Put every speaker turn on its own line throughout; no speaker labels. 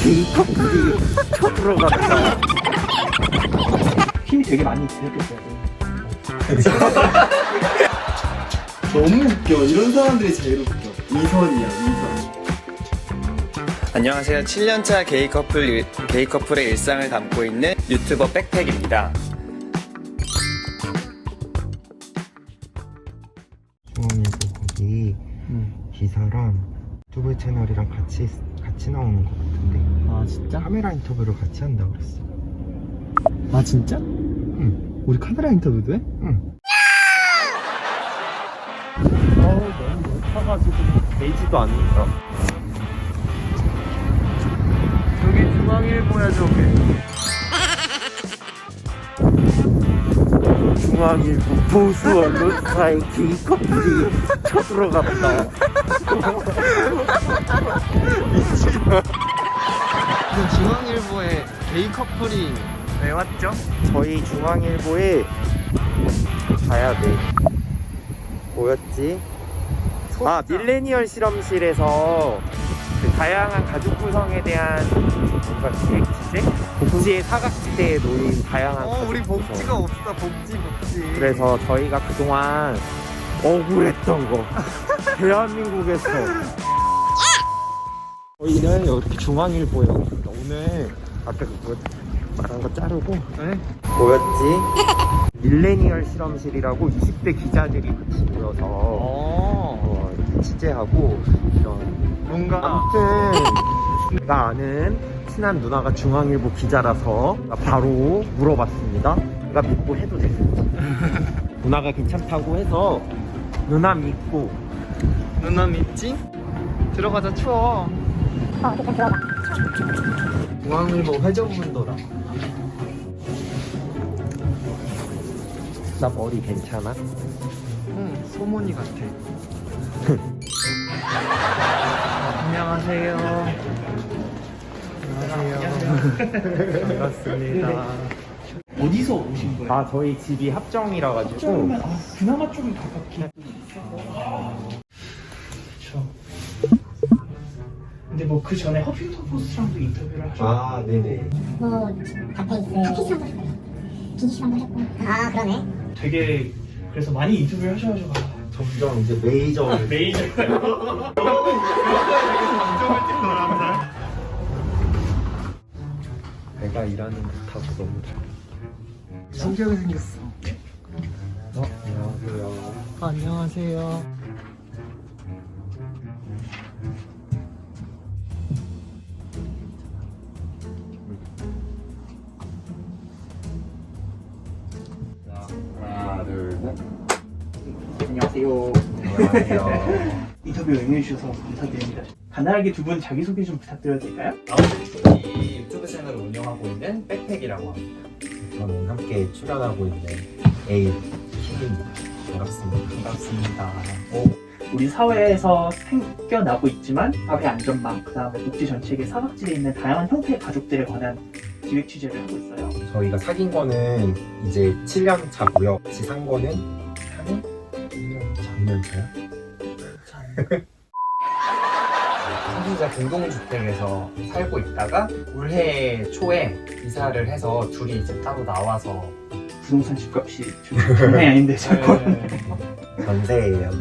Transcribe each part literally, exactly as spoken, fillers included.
K커플이 쳐들어갔다.
힘이 되게 많이 들었겠어요. 너무 웃겨. 이런 사람들이 제일 웃겨. 이선이야, 이선.
안녕하세요. 칠 년차 게이 커플, 게이 커플의 일상을 담고 있는 유튜버 백팩입니다.
중앙일보 거기
음.
기사랑 유튜브 채널이랑 같이 같이 나오는 것 같은데
아 진짜?
카메라 인터뷰를 같이 한다 그랬어.
아 진짜?
응,
우리 카메라 인터뷰도 해?
응.
어우 너무 높아가지고 되지도 않는다. 저기 중앙일보야 저게. 중앙일보 보수 언론사의 게이 커플이 쳐들어갔다. 중앙일보에 게이 커플이 왜 왔죠?
저희 중앙일보에 가야 돼. 뭐였지? 아, 밀레니얼 실험실에서 그 다양한 가족 구성에 대한 뭔가 기획 취재? 복지의 사각지대에 놓인 다양한
어 우리
가족
복지가
구성.
없다. 복지 복지.
그래서 저희가 그동안 억울했던 거 대한민국에서 저희는 이렇게 중앙일보에 왔습니다. 오늘 아까 그거 말한 거 자르고
네?
뭐였지? 밀레니얼 실험실이라고 이십 대 기자들이 같이 모여서
어.
어, 취재하고 이런
뭔가
아무튼 제가 아는 친한 누나가 중앙일보 기자라서 바로 물어봤습니다. 내가 믿고 해도 되는지. 누나가 괜찮다고 해서 누나 믿고
누나 믿지? 들어가자. 추워.
중앙일보 회전문도라. 나 머리 괜찮아?
응, 소문이 같아. 안녕하세요. 안녕하세요. 반갑습니다.
어디서 오신 거예요?
아, 저희 집이 합정이라 가지고
그러면 아, 그나마 좀 가깝긴. 그렇죠. 근데 뭐 그 전에 허핑턴 포스트랑도 인터뷰를 하셨고.
아, 네네.
뭐 닥터이스 피시랑도 했고요. 비니시랑도 했고. 아 그러네.
되게 그래서 많이 인터뷰를 하셔가지고 아,
점점 이제 메이저
메이저.
내가 일하는 듯하고 너무 잘.
신기하게 생겼어.
어, 안녕하세요.
안녕하세요.
하나, 둘, 셋.
안녕하세요.
안녕하세요.
인터뷰 응해주셔서 감사드립니다. 간단하게 두 분 자기소개 좀 부탁드려도 될까요?
이 유튜브 채널을 운영하고 있는 백팩이라고 합니다.
저는 함께 출연하고 있는 에이 킥입니다. 반갑습니다.
반갑습니다.
우리 사회에서 생겨나고 있지만 사회 안전망, 그 다음에 복지 정책의 사각지대에 있는 다양한 형태의 가족들에 관한 기획 취재를 하고 있어요.
저희가 사귄 거는 이제 칠 년 차고요. 같이 산 거는 삼 년? 일 년? 삼 년 차요?
삼진자 공동주택에서 살고 있다가 올해 초에 이사를 해서 둘이 이제 따로 나와서
부동산 집값이 좀 장난이 아닌데 자꾸.
전세예요.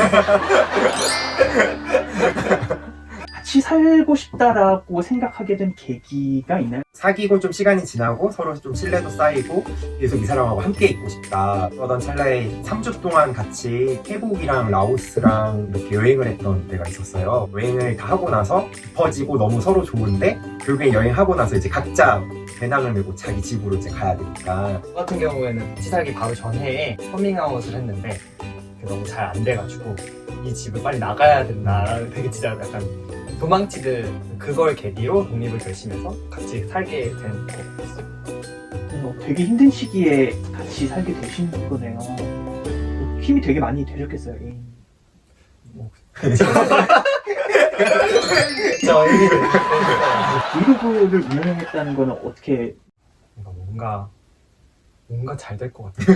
같이 살고 싶다라고 생각하게 된 계기가 있나요?
사귀고 좀 시간이 지나고 서로 좀 신뢰도 쌓이고 계속 이 사람하고 함께 있고 싶다. 그러던 찰나에 삼 주 동안 같이 태국이랑 라오스랑 이렇게 여행을 했던 때가 있었어요. 여행을 다 하고 나서 깊어지고 너무 서로 좋은데 결국엔 여행하고 나서 이제 각자 배낭을 메고 자기 집으로 이제 가야 되니까
저 같은 경우에는 같이 살기 바로 전에 커밍아웃을 했는데 그게 너무 잘 안 돼가지고 이 집을 빨리 나가야 된다라는 되게 진짜 약간 도망치듯 그걸 계기로 독립을 결심해서 같이 살게 된 거였어요.
어, 되게 힘든 시기에 같이 살게 되신 거네요. 힘이 되게 많이 되셨겠어요. 예.
저희
브이로그를 운영했다는 거는 어떻게?
뭔가 뭔가 잘 될 것 같아요.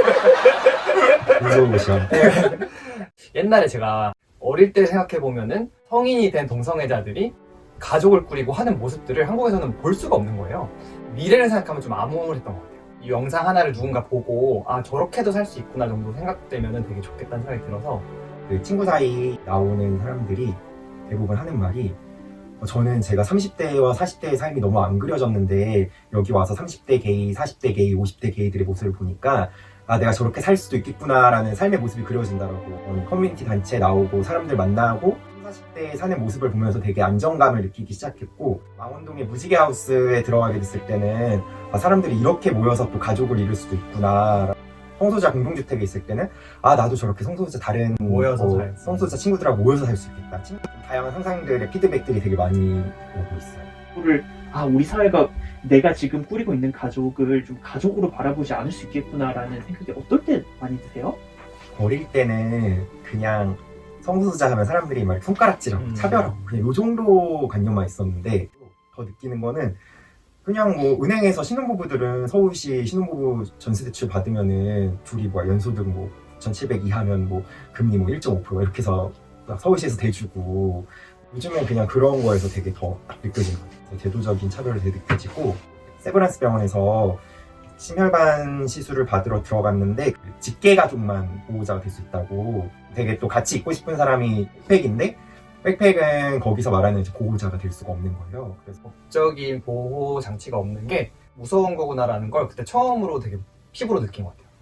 무서운 곳이야.
옛날에 제가 어릴 때 생각해 보면은 성인이 된 동성애자들이 가족을 꾸리고 하는 모습들을 한국에서는 볼 수가 없는 거예요. 미래를 생각하면 좀 암울했던 것 같아요. 이 영상 하나를 누군가 보고 아 저렇게도 살 수 있구나 정도 생각되면 되게 좋겠다는 생각이 들어서
그 친구 사이 나오는 사람들이 대부분 하는 말이 어, 저는 제가 삼십 대와 사십 대의 삶이 너무 안 그려졌는데 여기 와서 삼십 대 게이, 사십 대 게이, 오십 대 게이들의 모습을 보니까 아 내가 저렇게 살 수도 있겠구나라는 삶의 모습이 그려진다라고 어, 커뮤니티 단체에 나오고 사람들 만나고 사십 대에 사는 모습을 보면서 되게 안정감을 느끼기 시작했고 망원동의 무지개 하우스에 들어가게 됐을 때는 아, 사람들이 이렇게 모여서 또 가족을 이룰 수도 있구나. 성소수자 공동주택에 있을 때는 아 나도 저렇게 성소수자 다른
모여서
뭐,
살 수.
성소수자 친구들하고 모여서 살 수 있겠다. 친- 다양한 상상들의 피드백들이 되게 많이 오고 있어요.
를 아 우리 사회가 내가 지금 꾸리고 있는 가족을 좀 가족으로 바라보지 않을 수 있겠구나라는 생각이 어떨 때 많이 드세요?
어릴 때는 그냥 성소수자 하면 사람들이 막 손가락질하고
음.
차별하고 그냥 요 정도 관념만 있었는데 더 느끼는 거는 그냥 뭐 은행에서 신혼부부들은 서울시 신혼부부 전세대출 받으면은 둘이 뭐 연소득 뭐 천칠백 이하면 뭐 금리 뭐 일 점 오 퍼센트 이렇게 해서 서울시에서 대주고 요즘엔 그냥 그런 거에서 되게 더 느껴지는 것 같아요. 제도적인 차별이 되게 느껴지고 세브란스 병원에서 심혈관 시술을 받으러 들어갔는데 직계가족만 보호자가 될 수 있다고 되게 또 같이 있고 싶은 사람이 백팩인데 백팩은 거기서 말하는 이제 보호자가 될 수가 없는 거예요. 그래서
법적인 보호 장치가 없는 게 무서운 거구나라는 걸 그때 처음으로 되게 피부로 느낀 것 같아요.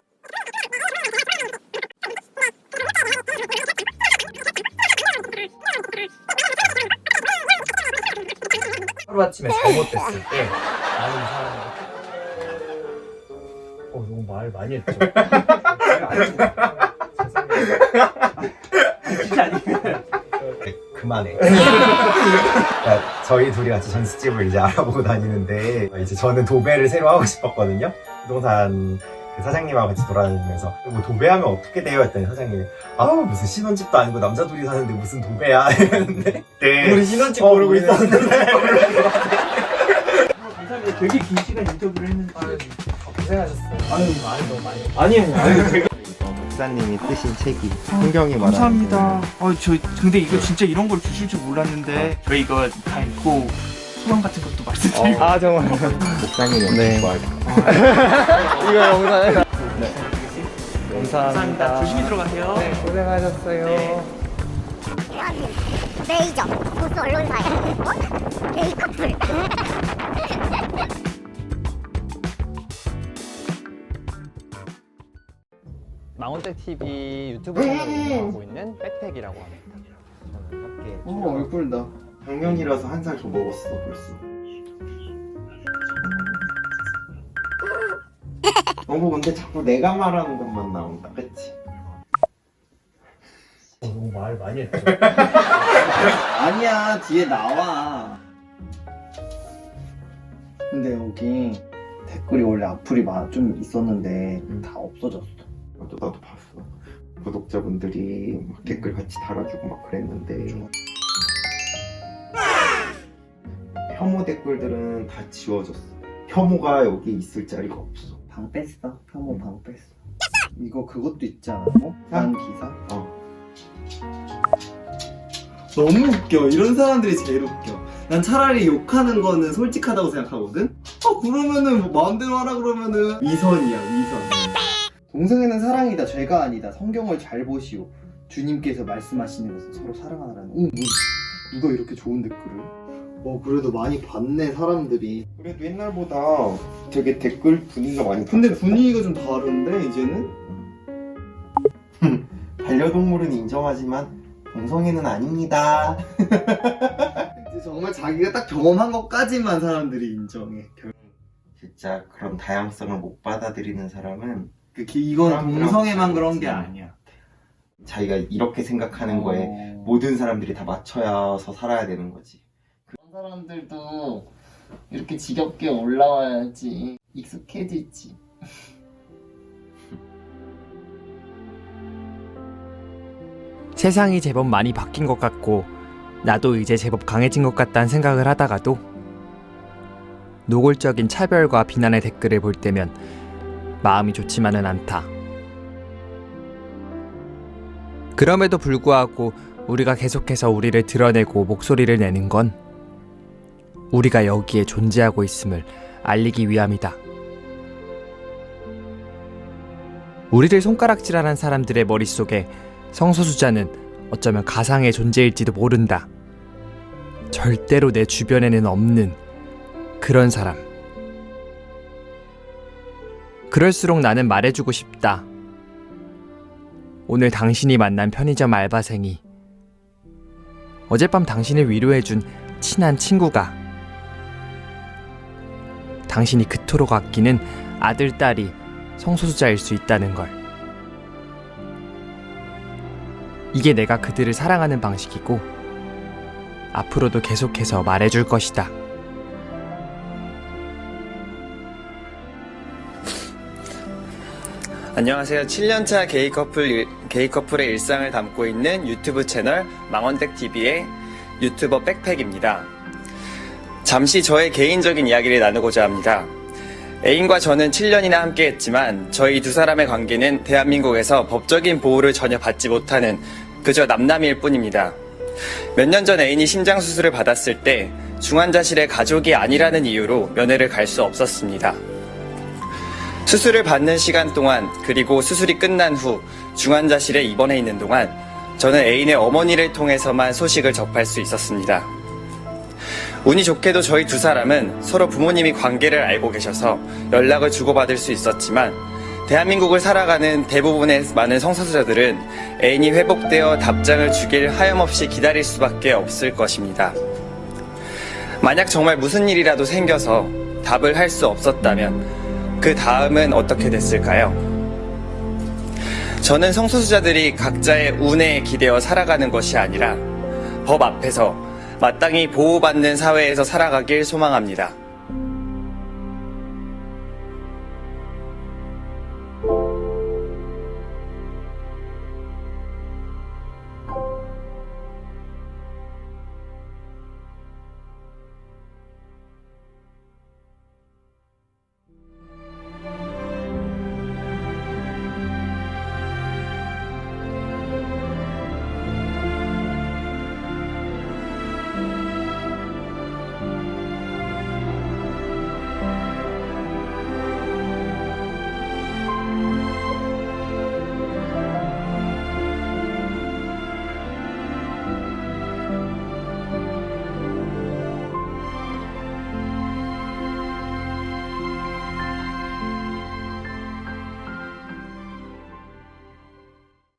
하루아침에 잘못됐을 때 나는 사람이 어 너무 말 많이 했죠.
진짜 아니에요.
그만해. 그러니까 저희 둘이 같이 전셋집을 이제 알아보고 다니는데 이제 저는 도배를 새로 하고 싶었거든요. 부동산 그 사장님하고 같이 돌아다니면서 뭐 도배하면 어떻게 돼요? 했더니 사장님이 아우 무슨 신혼집도 아니고 남자 둘이 사는데 무슨 도배야 이랬는데 네.
우리 신혼집
어,
고르고
우리는-
있었는데
감사합니다. 되게 긴 시간 인터뷰를 했는데
고생하셨어요.
아유
말이 너무 많이
아니에요. 아유 제가
목사님이 쓰신 책이 성경이 말하는
감사합니다. 어, 저 근데 이거 진짜 이런 걸 주실 줄 몰랐는데 저희 이거 다 읽고 소감 같은 것도 말씀드리고
아 정말
목사님이
네.
뭐
이거 영상에 네.
감사합니다.
감사합니다.
조심히 들어가세요.
네 고생하셨어요.
네.
대한민국 메이저 보수 언론사의 어? 게이 커플.
망원댁 티비 유튜브 채널을 운영하고 있는 백팩이라고 합니다. 저는 함께
어 얼굴다 작년이라서 한 살 더 먹었어 벌써. 너무 근데 자꾸 내가 말하는 것만 나온다 그치?
어, 너무 말 많이 했죠.
아니야 뒤에 나와. 근데 여기 댓글이 원래 악플이 마- 좀 있었는데 다 없어졌어.
맞아, 나도 봤어. 구독자분들이 막 댓글 같이 달아주고 막 그랬는데 혐오 댓글들은 다 지워졌어. 혐오가 여기 있을 자리가 없어.
방 뺐어. 혐오 방 뺐어. 이거 그것도 있지 않아? 어? 난 기사?
어.
너무 웃겨. 이런 사람들이 제일 웃겨. 난 차라리 욕하는 거는 솔직하다고 생각하거든? 아, 그러면은 뭐 마음대로 하라 그러면은 위선이야, 위선.
동성애는 사랑이다, 죄가 아니다. 성경을 잘 보시오. 주님께서 말씀하시는 것은 서로 사랑하라는. 오, 뭐, 누가 이렇게 좋은 댓글을? 어, 그래도 많이 봤네, 사람들이.
그래도 옛날보다 되게 댓글 분위기가 많이
근데
바뀌었다.
분위기가 좀 다른데, 이제는?
반려동물은 인정하지만 동성애는 아닙니다.
이제 정말 자기가 딱 경험한 것까지만 사람들이 인정해. 결-
진짜 그런 다양성을 못 받아들이는 사람은
그, 기- 이건
사람들하고
동성애만 그런 게
다르지.
아니야.
자기가 이렇게 생각하는 거에
어...
모든 사람들이 다 맞춰서 살아야 되는 거지.
그런 사람들도 이렇게 지겹게 올라와야지 익숙해지지.
세상이 제법 많이 바뀐 것 같고 나도 이제 제법 강해진 것 같다는 생각을 하다가도 노골적인 차별과 비난의 댓글을 볼 때면 마음이 좋지만은 않다. 그럼에도 불구하고 우리가 계속해서 우리를 드러내고 목소리를 내는 건 우리가 여기에 존재하고 있음을 알리기 위함이다. 우리를 손가락질하는 사람들의 머릿속에 성소수자는 어쩌면 가상의 존재일지도 모른다. 절대로 내 주변에는 없는 그런 사람. 그럴수록 나는 말해주고 싶다. 오늘 당신이 만난 편의점 알바생이, 어젯밤 당신을 위로해준 친한 친구가, 당신이 그토록 아끼는 아들, 딸이 성소수자일 수 있다는 걸. 이게 내가 그들을 사랑하는 방식이고 앞으로도 계속해서 말해줄 것이다.
안녕하세요. 칠 년차 게이 커플, 게이 커플의 일상을 담고 있는 유튜브 채널 망원댁티비의 유튜버 백팩입니다. 잠시 저의 개인적인 이야기를 나누고자 합니다. 애인과 저는 칠 년이나 함께 했지만 저희 두 사람의 관계는 대한민국에서 법적인 보호를 전혀 받지 못하는 그저 남남일 뿐입니다. 몇 년 전 애인이 심장수술을 받았을 때 중환자실의 가족이 아니라는 이유로 면회를 갈 수 없었습니다. 수술을 받는 시간 동안, 그리고 수술이 끝난 후 중환자실에 입원해 있는 동안 저는 애인의 어머니를 통해서만 소식을 접할 수 있었습니다. 운이 좋게도 저희 두 사람은 서로 부모님이 관계를 알고 계셔서 연락을 주고받을 수 있었지만, 대한민국을 살아가는 대부분의 많은 성소수자들은 애인이 회복되어 답장을 주길 하염없이 기다릴 수밖에 없을 것입니다. 만약 정말 무슨 일이라도 생겨서 답을 할 수 없었다면 그 다음은 어떻게 됐을까요? 저는 성소수자들이 각자의 운에 기대어 살아가는 것이 아니라 법 앞에서 마땅히 보호받는 사회에서 살아가길 소망합니다.